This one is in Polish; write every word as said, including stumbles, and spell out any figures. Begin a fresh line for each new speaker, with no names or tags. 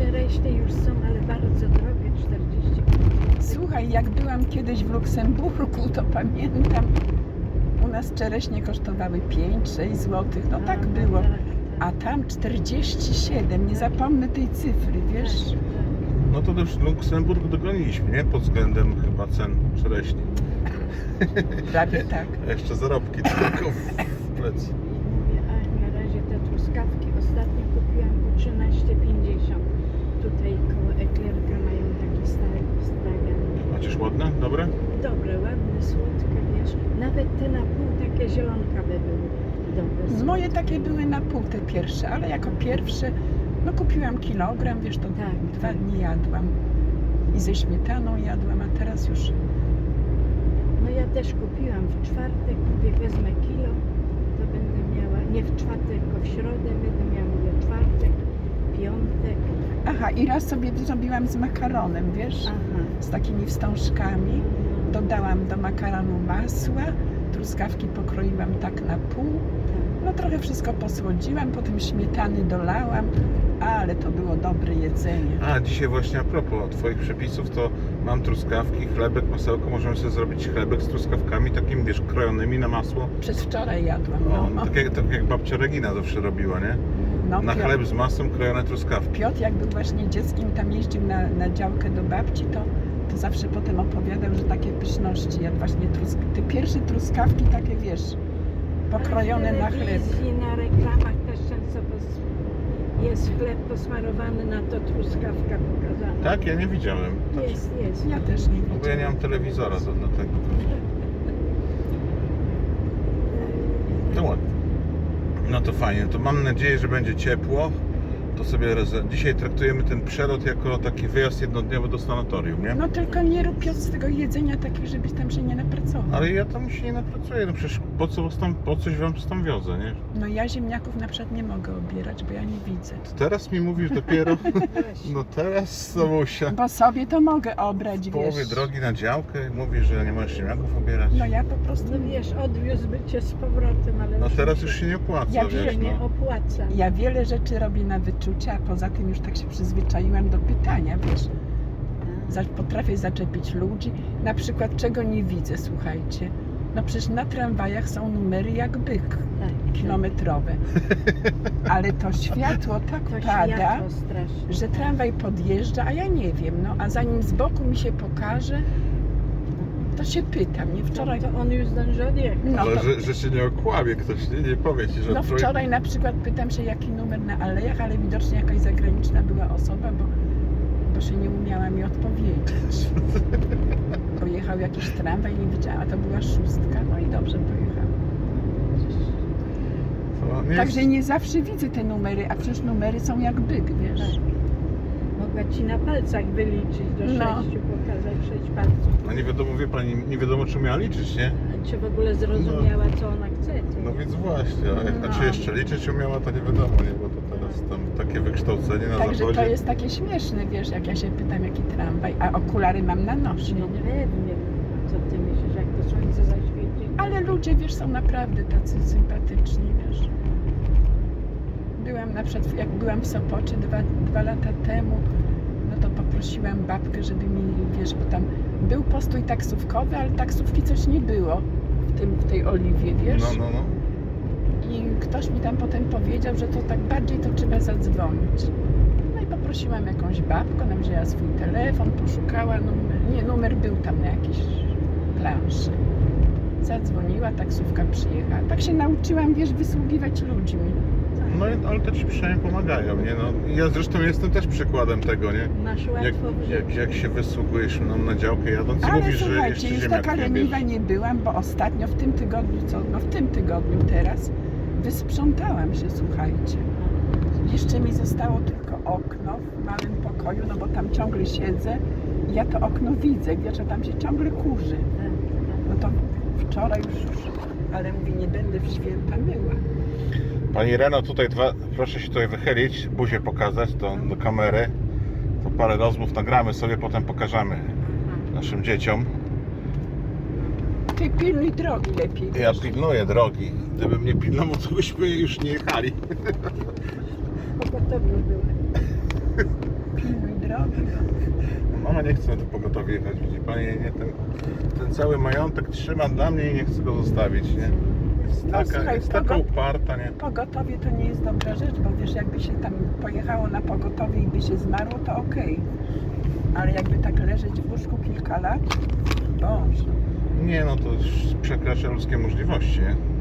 Czereśnie już są, ale bardzo drogie, czterdzieści pięć.
Słuchaj, jak byłam kiedyś w Luksemburgu, to pamiętam, u nas czereśnie kosztowały pięć sześć złotych, no tak było. A tam czterdzieści siedem, nie zapomnę tej cyfry, wiesz?
No to już Luksemburg dogoniliśmy, nie? Pod względem chyba cen czereśni.
Prawie tak.
A jeszcze zarobki tylko w plecy.
Mówię, a na razie te truskawki ostatnio kupiłam po trzynaście pięćdziesiąt. Tutaj koło Eklierka mają taki stary stragan.
Chociaż ładne? Dobre?
Dobre, ładne, słodkie, wiesz. Nawet te na pół takie zielonkawe były dobre.
Moje
słodkie.
takie były na pół te pierwsze, ale jako pierwsze, no kupiłam kilogram, wiesz, to
Tak,
dwa
tak.
dni jadłam. I ze śmietaną jadłam, a teraz już
No ja też kupiłam w czwartek, mówię wezmę kilo, to będę miała, nie w czwartek, tylko w środę będę miała, mówię czwartek, piątek.
Aha, i raz sobie zrobiłam z makaronem, wiesz,
Aha.
z takimi wstążkami. Dodałam do makaronu masła, truskawki pokroiłam tak na pół. No trochę wszystko posłodziłam, potem śmietany dolałam, ale to było dobre jedzenie.
A, dzisiaj właśnie a propos Twoich przepisów, to mam truskawki, chlebek, masełko. Możemy sobie zrobić chlebek z truskawkami, takimi, wiesz, krojonymi na masło.
Przez wczoraj jadłam.
O,
No,
tak, jak, tak jak babcia Regina zawsze robiła, nie?
no,
Na
Piotr-
chleb z masłem krojone truskawki.
Piotr, jak był właśnie dzieckiem, tam jeździł na, na działkę do babci, to, to zawsze potem opowiadał, że takie pyszności jadł właśnie trusk... te pierwsze truskawki takie, wiesz, pokrojone na
W
chleb.
telewizji, na reklamach też często pos- jest chleb posmarowany, na to truskawka pokazana.
Tak? Ja nie widziałem.
Jest, jest.
Ja też nie
Bo ja nie mam telewizora, to dlatego. To ładnie. No to fajnie, to mam nadzieję, że będzie ciepło. To sobie reze- dzisiaj traktujemy ten przelot jako taki wyjazd jednodniowy do sanatorium, nie?
No tylko nie rób Piotr z tego jedzenia takich, żebyś tam się nie napracował.
Ale ja tam się nie napracuję, no przecież po co was tam, po coś wam tam wiozę, nie?
No ja ziemniaków na przykład nie mogę obierać, bo ja nie widzę.
To teraz mi mówisz dopiero,
Właśnie.
no teraz Samusia.
Bo sobie to mogę obrać,
W połowie
wiesz.
drogi na działkę mówisz, że nie możesz ziemniaków obierać.
No ja po prostu...
No wiesz, odwiózłby cię z powrotem, ale
No
już
teraz
mi
już się nie opłaca,
Ja
wiesz,
się nie
no.
opłaca.
Ja wiele rzeczy robię na wyczucie, a poza tym już tak się przyzwyczaiłam do pytania, wiesz. Za- Potrafię zaczepić ludzi, na przykład czego nie widzę, słuchajcie. No przecież na tramwajach są numery jak byk,
Tak,
kilometrowe. Ale to światło tak
to
pada,
światło strasznie.
że tramwaj podjeżdża, a ja nie wiem, no a zanim z boku mi się pokaże, to się pytam, nie? Wczoraj,
To, to on już zdąży odjechać.
no,
Ale
to,
że, że się nie okłamie ktoś, nie, nie powie ci, że
no
trój-
wczoraj na przykład pytam się jaki numer na alejach, ale widocznie jakaś zagraniczna była osoba, bo, bo się nie umiała mi odpowiedzieć. Bo jechał jakiś tramwaj, nie widziałam, a to była szóstka, no i dobrze pojechałam.
To nie
Także
jest...
nie zawsze widzę te numery, a przecież numery są jak byk, wiesz.
Tak. Mogła ci na palcach wyliczyć do
No.
sześciu, pokazać sześć palców.
No nie wiadomo, wie pani, nie wiadomo czy miała liczyć, nie?
A czy w ogóle zrozumiała, co ona chce. To
No
nie?
więc właśnie, a, a
No.
czy jeszcze liczyć umiała, to nie wiadomo, nie? Bo to teraz tam takie wykształcenie na
Także
zachodzie.
to jest takie śmieszne, wiesz, jak ja się pytam jaki tramwaj, a okulary mam na nosie,
No
nie?
pewnie. Co ty myślisz, jak to słońce zaświeci?
Ale ludzie, wiesz, są naprawdę tacy sympatyczni, wiesz. Byłam na przykład, jak byłam w Sopocie dwa, dwa lata temu, no to poprosiłam babkę, żeby mi, wiesz, bo tam był postój taksówkowy, ale taksówki coś nie było w, tym, w tej Oliwie, wiesz.
No, no, no.
I ktoś mi tam potem powiedział, że to tak bardziej to trzeba zadzwonić. No i poprosiłam jakąś babkę, ona wzięła swój telefon, poszukała numer, nie, numer był tam na jakiejś planszy. Zadzwoniła, taksówka przyjechała. Tak się nauczyłam, wiesz, wysługiwać ludźmi.
No i- ale to ci przynajmniej pomagają, nie? No, ja zresztą jestem też przykładem tego, nie?
Masz
Jak,
łatwo w
jak,
życiu.
jak się wysługujesz no, na działkę jadąc i
Ale
mówisz, że
słuchajcie,
jeszcze
już
ziemniak
taka
nie
leniwa
bierzesz.
nie byłam, bo ostatnio w tym tygodniu, co, no w tym tygodniu teraz, wysprzątałam się, słuchajcie. Jeszcze mi zostało tylko okno w małym pokoju, no bo tam ciągle siedzę i ja to okno widzę, wiesz, że tam się ciągle kurzy.
Tak,
No to wczoraj już, już ale mówię, nie będę w święta myła.
Pani Reno, tutaj dwa, proszę się tutaj wychylić, buzię pokazać do, do kamery. To parę rozmów nagramy sobie, potem pokażemy naszym dzieciom.
Ty pilnuj drogi lepiej.
Ja
wiesz.
pilnuję drogi. Gdybym nie pilnował, to byśmy już nie jechali.
tak. Pogotowiu były.
Mama nie chce na to pogotowie jechać, widzi pani, nie, ten, ten cały majątek trzyma dla mnie i nie chce go zostawić, nie? Jest
No,
taka,
słuchaj,
jest taka
pogo-
uparta, nie?
Pogotowie to nie jest dobra rzecz, bo wiesz, jakby się tam pojechało na pogotowie i by się zmarło, to okej. Ale jakby tak leżeć w łóżku kilka lat, Boże.
Nie, no to już przekracza ludzkie możliwości, nie?